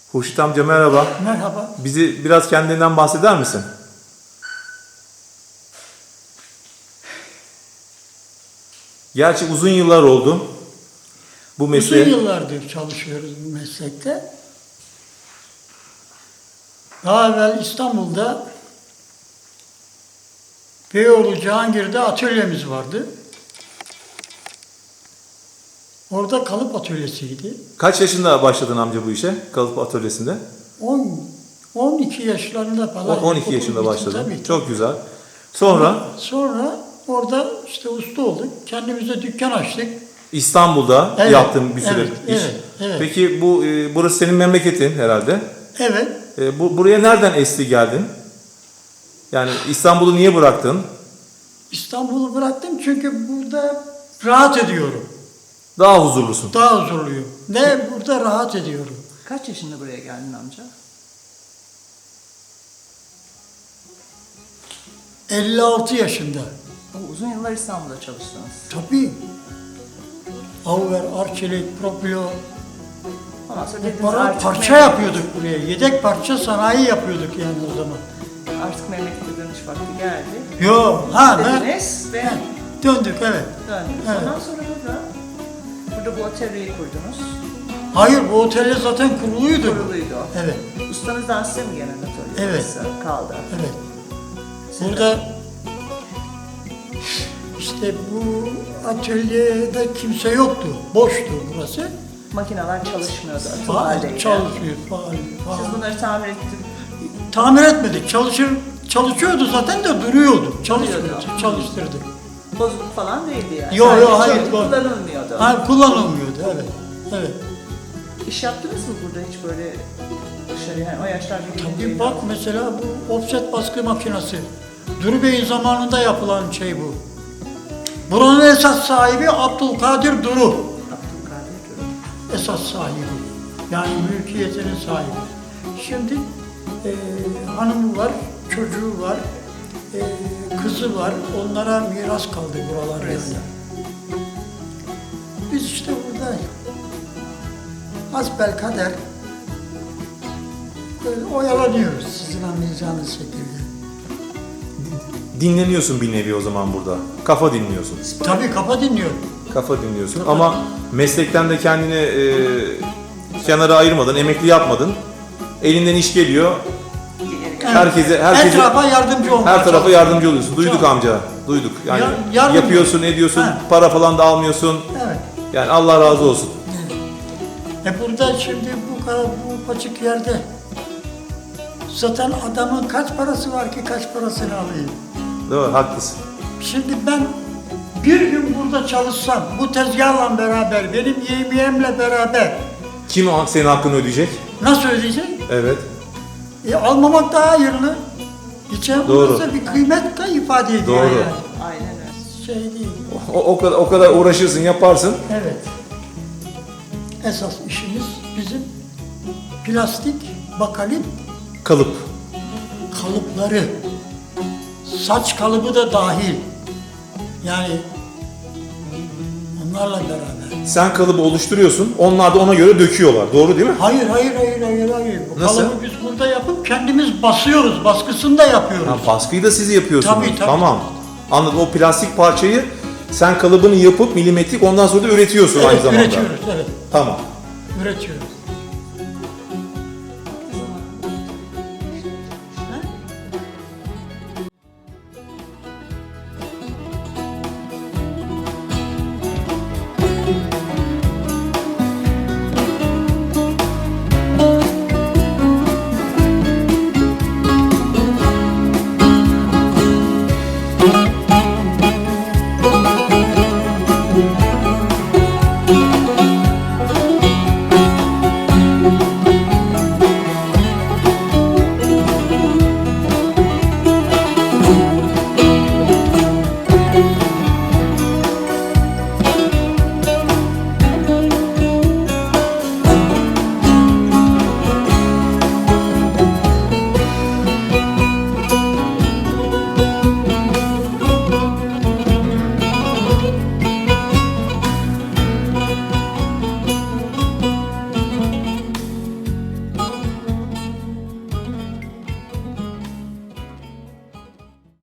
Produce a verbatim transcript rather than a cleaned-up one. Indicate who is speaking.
Speaker 1: Hurşit amca merhaba.
Speaker 2: Merhaba.
Speaker 1: Bizi biraz kendinden bahseder misin? Gerçi uzun yıllar oldu bu mesleğe.
Speaker 2: Uzun yıllardır çalışıyoruz bu meslekte. Daha evvel İstanbul'da Beyoğlu Cihangir'de atölyemiz vardı. Orada kalıp atölyesiydi.
Speaker 1: Kaç yaşında başladın amca bu işe? Kalıp atölyesinde?
Speaker 2: on, on iki yaşlarında falan.
Speaker 1: on iki yaşında başladın. Çok güzel. Sonra
Speaker 2: Sonra orada işte usta olduk. Kendimize dükkan açtık.
Speaker 1: İstanbul'da
Speaker 2: Evet,
Speaker 1: yaptığın bir süre
Speaker 2: evet,
Speaker 1: iş.
Speaker 2: evet, evet.
Speaker 1: Peki bu e, burası senin memleketin herhalde.
Speaker 2: Evet.
Speaker 1: E, bu buraya nereden esti geldin? Yani İstanbul'u niye bıraktın?
Speaker 2: İstanbul'u bıraktım çünkü burada rahat ediyorum.
Speaker 1: Daha huzurlusun.
Speaker 2: Daha huzurluyum. Ne burada rahat ediyorum.
Speaker 3: Kaç yaşında buraya geldin amca?
Speaker 2: elli altı yaşında.
Speaker 3: O, uzun yıllar İstanbul'da çalıştınız.
Speaker 2: Tabii. Auer, Arçelik, Proprio.
Speaker 3: Ondan sonra dediniz
Speaker 2: Para,
Speaker 3: artık
Speaker 2: parça
Speaker 3: memlekete-
Speaker 2: yapıyorduk buraya. Yedek parça sanayi yapıyorduk yani o zaman.
Speaker 3: Artık memlekete dönüş vakti geldi.
Speaker 2: Yo, ha ben
Speaker 3: Dediniz ve
Speaker 2: ha, döndük evet.
Speaker 3: döndünüz.
Speaker 2: Evet.
Speaker 3: Ondan sonra burada, burada bu atölyeyi kurdunuz.
Speaker 2: Hayır bu otelde zaten kuruluydu.
Speaker 3: Kuruluydu o.
Speaker 2: Evet,
Speaker 3: Ustanızdan size mi gelen atölye
Speaker 2: Evet.
Speaker 3: burası kaldı?
Speaker 2: evet. Burada işte bu atölyede kimse yoktu. Boştu burası.
Speaker 3: Makineler çalışmıyordu, atıl
Speaker 2: Faal
Speaker 3: haldeydi.
Speaker 2: çalışıyor, faal, faal.
Speaker 3: Siz bunları tamir ettiniz.
Speaker 2: Tamir etmedik. Çalışır, çalışıyordu zaten de duruyordu. Çalışmıyordu.
Speaker 3: Duruyordu.
Speaker 2: Çalıştırdık.
Speaker 3: Bozuk falan değildi yani.
Speaker 2: Yo, yo,
Speaker 3: Sadece
Speaker 2: hayır,
Speaker 3: çok
Speaker 2: bu-
Speaker 3: kullanılmıyordu.
Speaker 2: Ha, kullanılmıyordu evet. Evet.
Speaker 3: İş yaptınız mı burada hiç böyle dışarı yani o yaşlarda
Speaker 2: Bir
Speaker 3: gelince?
Speaker 2: bak mesela bu offset baskı makinesi. Duru Bey'in zamanında yapılan şey bu. Buranın esas sahibi Abdülkadir Duru.
Speaker 3: Abdülkadir Duru.
Speaker 2: Esas sahibi. Yani mülkiyetinin sahibi. Şimdi e, hanımı var, çocuğu var, e, kızı var. Onlara miras kaldı buralar
Speaker 3: Burası.
Speaker 2: yani. Biz işte burada hasbelkader böyle oyalanıyoruz sizin anlayacağınız şekilde.
Speaker 1: Dinleniyorsun bir nevi o zaman burada. Kafa dinliyorsun.
Speaker 2: Tabii kafa dinliyorum.
Speaker 1: Kafa dinliyorsun ama meslekten de kendini e, kenara ayırmadın, emekli yapmadın. Elinden iş geliyor.
Speaker 2: Evet.
Speaker 1: Herkese herkese
Speaker 2: Etrafa yardımcı olmaya
Speaker 1: her tarafa
Speaker 2: çalışıyorum.
Speaker 1: yardımcı oluyorsun. Duyduk
Speaker 2: Çok.
Speaker 1: amca. Duyduk. Yani
Speaker 2: Ya- yardım-
Speaker 1: yapıyorsun, ediyorsun.
Speaker 2: Ha.
Speaker 1: Para falan da almıyorsun.
Speaker 2: Evet.
Speaker 1: Yani Allah razı olsun.
Speaker 2: E burada şimdi bu kadar bu paçık yerde zaten adamın kaç parası var ki kaç parasını alayım.
Speaker 1: Değil mi? Haklısın.
Speaker 2: Şimdi ben bir gün burada çalışsam bu tezgahla beraber benim yemeğimle beraber
Speaker 1: Kim o- senin hakkını ödeyecek?
Speaker 2: nasıl ödeyecek?
Speaker 1: Evet.
Speaker 2: E, almamak daha hayırlı. Geçen
Speaker 1: Doğru.
Speaker 2: burası bir kıymet de ifade ediyor
Speaker 1: Doğru.
Speaker 2: yani.
Speaker 3: Aynen öyle.
Speaker 2: Şey değil.
Speaker 1: O, o kadar o kadar uğraşırsın, yaparsın.
Speaker 2: Evet. Esas işimiz bizim plastik, bakalit
Speaker 1: Kalıp.
Speaker 2: kalıpları. Saç kalıbı da dahil. Yani onlarla beraber.
Speaker 1: Sen kalıbı oluşturuyorsun. Onlar da ona göre döküyorlar. Doğru değil mi?
Speaker 2: Hayır, hayır, hayır, hayır, hayır. Bu
Speaker 1: Nasıl?
Speaker 2: kalıbı biz burada yapıp kendimiz basıyoruz. Baskısını da yapıyoruz.
Speaker 1: Ha, baskıyı da siz yapıyorsunuz.
Speaker 2: Tabii, tabii.
Speaker 1: Tamam. Anladım. O plastik parçayı sen kalıbını yapıp milimetrik ondan sonra da üretiyorsun aynı
Speaker 2: Evet,
Speaker 1: zamanda.
Speaker 2: üretiyoruz, evet.
Speaker 1: Tamam.
Speaker 2: Üretiyoruz.